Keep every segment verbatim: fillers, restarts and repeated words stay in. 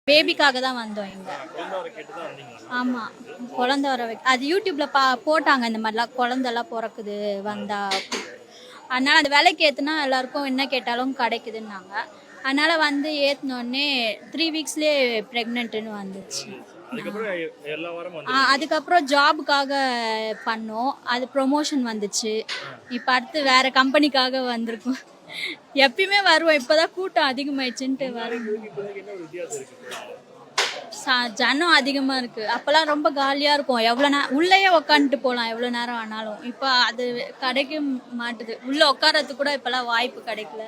பேபிக்காக தான் வந்தோம் இங்க. ஆமா, குழந்தை வர வைக்க அது யூடியூப்ல பா போட்டாங்க இந்த மாதிரிலாம் குழந்தைலாம் பிறக்குது வந்தா. அதனால அந்த விலைக்கு ஏத்துனா எல்லாருக்கும் என்ன கேட்டாலும் கிடைக்குதுன்னாங்க. அதனால வந்து ஏத்தினோடனே த்ரீ வீக்ஸ்லேயே ப்ரெக்னென்ட்னு வந்துச்சு. அதுக்கப்புறம் ஜாபுக்காக பண்ணோம், அது ப்ரொமோஷன் வந்துச்சு. இப்போ அடுத்து வேற கம்பெனிக்காக வந்திருக்கோம். எப்பயுமே வருவோம், இப்போதான் கூட்டம் அதிகமாயிடுச்சுன்ட்டு வரும். ஜனம் அதிகமா இருக்கு. அப்பெல்லாம் ரொம்ப காலியா இருக்கும், எவ்வளவு நேரம் உள்ளேயே உட்காந்துட்டு போகலாம் எவ்வளவு நேரம் ஆனாலும். இப்போ அது கிடைக்க மாட்டுது, உள்ள உட்காரத்துக்கு கூட இப்பெல்லாம் வாய்ப்பு கிடைக்கல.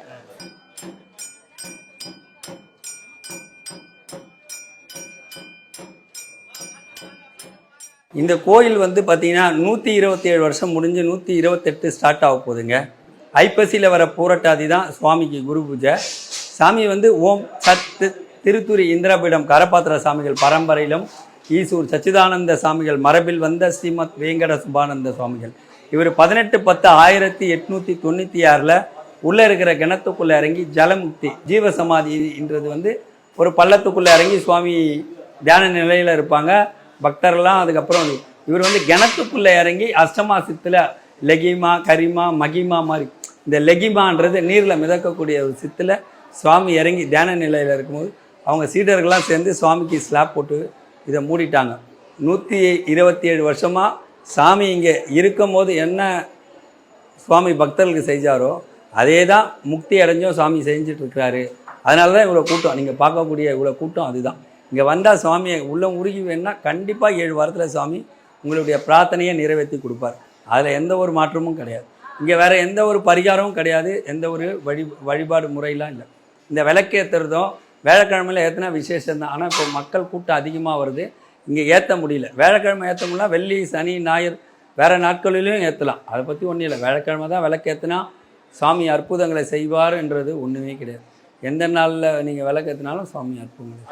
இந்த கோயில் வந்து பார்த்தீங்கன்னா நூற்றி இருபத்தி ஏழு வருஷம் முடிஞ்சு நூற்றி இருபத்தெட்டு ஸ்டார்ட் ஆக போகுதுங்க. ஐப்பசியில் வர பூரட்டாதி தான் சுவாமிக்கு குரு பூஜை. சாமி வந்து ஓம் சத்து திருத்துரி இந்திரபீடம் கரபாத்திர சாமிகள் பரம்பரையிலும் ஈசூர் சச்சிதானந்த சாமிகள் மரபில் வந்த ஸ்ரீமத் வேங்கட சுபானந்த சுவாமிகள். இவர் பதினெட்டு பத்து ஆயிரத்தி எட்நூற்றி தொண்ணூற்றி ஆறில் உள்ளே இருக்கிற கிணத்துக்குள்ளே இறங்கி ஜலமுக்தி ஜீவசமாதின்றது வந்து ஒரு பள்ளத்துக்குள்ளே இறங்கி சுவாமி தியான நிலையில் இருப்பாங்க. பக்தர்லாம் அதுக்கப்புறம் இவர் வந்து கிணத்துக்குள்ளே இறங்கி அஷ்டமா சித்தில் லெகிமா கரிமா மகிமா மாதிரி இந்த லெகிமான்றது நீரில் மிதக்கக்கூடிய ஒரு சித்தில் சுவாமி இறங்கி தியான நிலையில் இருக்கும்போது அவங்க சீடர்கள்லாம் சேர்ந்து சுவாமிக்கு ஸ்லாப் போட்டு இதை மூடிட்டாங்க. நூற்றி இருபத்தி ஏழு வருஷமாக சாமி இங்கே இருக்கும் போது என்ன சுவாமி பக்தர்களுக்கு செஞ்சாரோ அதே தான் முக்தி அடைஞ்சும் சுவாமி செஞ்சிட்ருக்கிறாரு. அதனால தான் இவ்வளோ கூட்டம், நீங்கள் பார்க்கக்கூடிய இவ்வளோ கூட்டம் அதுதான். இங்கே வந்தால் சுவாமியை உள்ள உருகி வேணுன்னா கண்டிப்பாக ஏழு வாரத்தில் சுவாமி உங்களுடைய பிரார்த்தனையை நிறைவேற்றி கொடுப்பார். அதில் எந்த ஒரு மாற்றமும் கிடையாது. இங்கே வேறு எந்த ஒரு பரிகாரமும் கிடையாது, எந்த ஒரு வழி வழிபாடு முறையெல்லாம் இல்லை. இந்த விளக்கேற்றுறதும் வேலைக்கிழமையில் ஏற்றினா விசேஷம் தான். ஆனால் இப்போ மக்கள் கூட்டம் அதிகமாக வருது, இங்கே ஏற்ற முடியல. வேலைக்கிழமை ஏற்ற முடியல, வெள்ளி சனி ஞாயிறு வேறு நாட்களிலையும் ஏற்றலாம். அதை பற்றி ஒன்றும் இல்லை. வேலைக்கிழமை தான் விளக்கேற்றினா சுவாமி அற்புதங்களை செய்வார்ன்றது ஒன்றுமே கிடையாது. எந்த நாளில் நீங்கள் விளக்கேற்றினாலும் சுவாமி அற்புதங்கள்.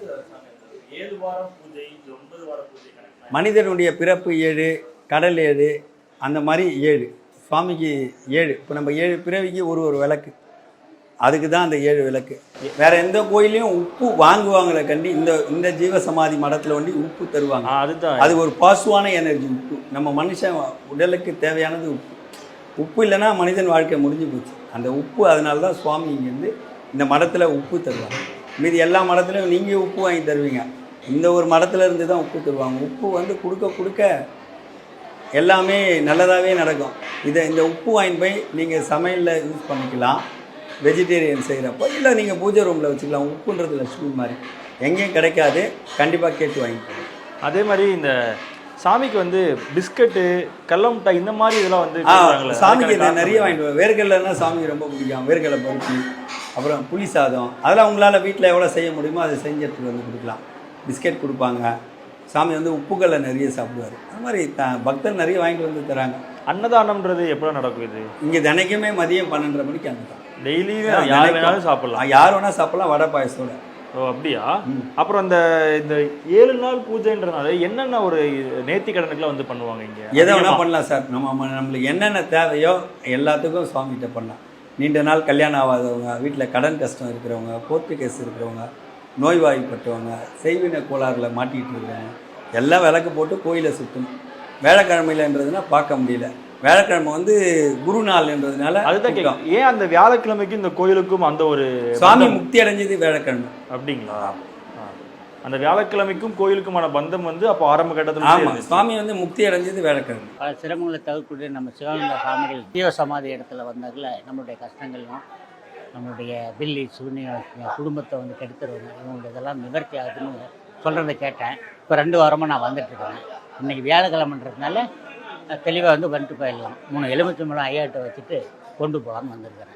மனிதனுடைய பிறப்பு ஏழு, கடல் ஏழு, அந்த மாதிரி ஏழு, சுவாமிக்கு ஏழு. இப்போ நம்ம ஏழு பிறவிக்கு ஒரு ஒரு விளக்கு, அதுக்கு தான் அந்த ஏழு விளக்கு. வேற எந்த கோயிலையும் உப்பு வாங்குவாங்களே கண்டி இந்த இந்த ஜீவசமாதி மடத்தில் வந்து உப்பு தருவாங்க. அதுதான் அது ஒரு பாசுவான எனர்ஜி. உப்பு நம்ம மனுஷன் உடலுக்கு தேவையானது உப்பு. உப்பு இல்லைன்னா மனிதன் வாழ்க்கை முடிஞ்சு போச்சு. அந்த உப்பு, அதனால தான் சுவாமி இங்கேருந்து இந்த மடத்தில் உப்பு தருவாங்க. மீதி எல்லா மடத்துலையும் நீங்கள் உப்பு வாங்கி தருவீங்க, இந்த ஒரு மடத்தில் இருந்து தான் உப்பு தருவாங்க. உப்பு வந்து கொடுக்க கொடுக்க எல்லாமே நல்லதாகவே நடக்கும். இதை இந்த உப்பு வாங்கி போய் நீங்கள் சமையலில் யூஸ் பண்ணிக்கலாம், வெஜிடேரியன் செய்கிறப்போ, இல்லை நீங்கள் பூஜை ரூமில் வச்சுக்கலாம். உப்புன்றது லட்சுமி மாதிரி எங்கேயும் கிடைக்காது, கண்டிப்பாக கேட்டு வாங்கிக்கலாம். அதே மாதிரி இந்த சாமிக்கு வந்து பிஸ்கட்டு கடலமிட்டாய் இந்த மாதிரி இதெல்லாம் வந்து சாமிக்கு இதை நிறைய வாங்கிட்டு. வேர்க்கடலைன்னா சாமிக்கு ரொம்ப பிடிக்கும். வேர்க்கடலை பருப்பி, அப்புறம் புளி சாதம், அதெல்லாம் உங்களால் வீட்டில் எவ்வளோ செய்ய முடியுமோ அதை செஞ்சு எடுத்துகிட்டு வந்து கொடுக்கலாம். பிஸ்கெட் கொடுப்பாங்க. சாமி வந்து உப்புக்களை நிறைய சாப்பிடுவார். அது மாதிரி த பக்தர் நிறைய வாங்கிட்டு வந்து தராங்க. அன்னதானம்ன்றது எப்போ நடக்கும்? இது இங்கே தினைக்குமே மதியம் பன்னெண்டரை மணிக்கு அன்னதானம். டெய்லியுமே யார் வேணாலும் சாப்பிடலாம், யார் வேணால் சாப்பிடலாம், வடை பாயசத்தோட. ஓ அப்படியா? அப்புறம் அந்த இந்த ஏழு நாள் பூஜைன்றதுனால என்னென்ன ஒரு நேர்த்தி கடனுக்குலாம் வந்து பண்ணுவாங்க இங்கே? எதை வேணால் பண்ணலாம் சார். நம்ம நம்மளுக்கு என்னென்ன தேவையோ எல்லாத்துக்கும் சுவாமிகிட்ட பண்ணலாம். நீண்ட நாள் கல்யாணம் ஆகாதவங்க, வீட்டில் கடன் கஷ்டம் இருக்கிறவங்க, கோர்ட்டு கேஸ் இருக்கிறவங்க, நோய்வாய்ப்பட்டவங்க, செய்வின கோளாறில் மாட்டிகிட்டு இருக்கிறவங்க எல்லாம் விளக்கு போட்டு கோயிலை சுற்றணும். வேலைக்கிழமையிலன்றதுனா பார்க்க முடியல. வேலைக்கிழமை வந்து குரு நாள்ன்றதுனால அதுதான் கேட்கும். ஏன் அந்த வியாழக்கிழமைக்கு இந்த கோயிலுக்கும் அந்த ஒரு சுவாமி முக்தி அடைஞ்சது வியாழக்கிழமை அப்படிங்களா? அந்த வியாழக்கிழமைக்கும் கோயிலுக்குமான பந்தம் வந்து அப்போ ஆரம்ப கட்டத்தில். ஆமாம், சுவாமி வந்து முக்தி அடைஞ்சது வியாழக்கிழமை. பல சிரமங்களை தவிர்க்கூடிய நம்ம சிவானந்த சாமிகள் ஜீவசமாதி இடத்துல வந்தாக்கல நம்மளுடைய கஷ்டங்களும் நம்மளுடைய பில்லி சூன்ய குடும்பத்தை வந்து கெடுத்துருவாங்க, இவங்களுடைய இதெல்லாம் நிவர்த்தி ஆகுதுன்னு சொல்கிறத கேட்டேன். இப்போ ரெண்டு வாரமாக நான் வந்துட்டுருக்கேன். இன்றைக்கி வியாழக்கிழமைன்றதுனால தெளிவாக வந்து வந்துட்டு போயிடலாம். மூணு எலுமிச்சை மூலம் ஐயாட்ட வச்சுட்டு கொண்டு போகலான்னு வந்திருக்கிறேன்.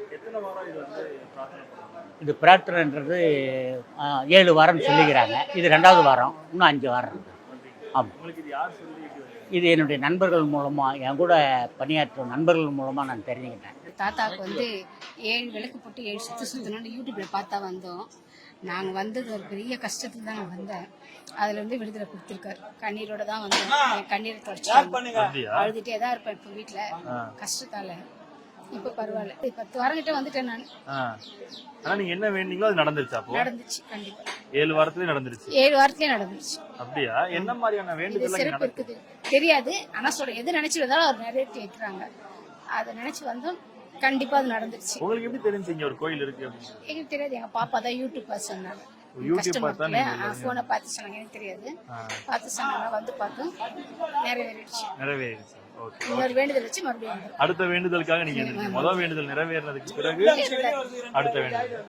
இது பிரார்த்தனைன்றது ஏழு வாரம்னு சொல்லிக்கிறாங்க. இது ரெண்டாவது வாரம், இன்னும் அஞ்சு வாரம் இருக்குது. ஆமாம், இது என்னுடைய நண்பர்கள் மூலமாக, என் கூட பணியாற்றும் நண்பர்கள் மூலமாக நான் தெரிஞ்சுக்கிட்டேன். தாத்தாவுக்கு வந்து ஏழு விளக்கு போட்டு ஏழு சுற்று சுற்றணும்னு யூடியூப்பில் பார்த்தா வந்தோம். நாங்கள் வந்தது ஒரு பெரிய கஷ்டத்துக்கு தான் நான் வந்தேன். அதுல இருந்து விடுதலை கொடுத்துருக்காரு. கண்ணீரோட தான் வந்தேன். என் கண்ணீரை தொடச்சு அழுதுட்டே தான் இருப்பேன் இப்போ வீட்டில் கஷ்டத்தால. இப்ப பரவாயில்ல. இப்ப பத்து வாரம் கிட்ட வந்துட்டேன் நான். ஆ. ஆனா நீங்க என்ன வேண்டிங்களோ அது நடந்துருச்சா அப்போ? நடந்துச்சு கண்டிப்பா. ஏழு வாரத்திலே நடந்துருச்சு. ஏழு வாரத்திலே நடந்துச்சு. அப்படியா? என்ன மாதிரியான இது வேண்டுதல் சிறப்பு இருக்குது தெரியாது. ஆனா சொல்ற எது நினைச்சு வந்தாலும் அவர் நிறைவேற்றி வைக்கிறாங்க. அதை நினைச்சு வந்தோம் கண்டிப்பா அது நடந்துருச்சு. உங்களுக்கு எப்படி தெரிஞ்சு இங்க ஒரு கோயில் இருக்கு அப்படின்னு? எங்களுக்கு தெரியாது. எங்க பாப்பா தான் யூடியூப் பார்த்து சொன்னாங்க. யூடியூப் பார்த்தா நீங்க போனை பார்த்து சொன்னாங்க. எனக்கு தெரியாது. பார்த்து சொன்னாங்க. வந்து பார்த்தோம் நிறைவேறிடுச்சு. நிறைவேறிடுச்சு. ஓகே. இன்னொரு வேண்டுதல் வச்சு மறுபடியும் அடுத்த வேண்டுதலுக்காக நீங்க முதல் வேண்டுதல் நிறைவேறினதுக்கு பிறகு அடுத்த வேண்டுதல்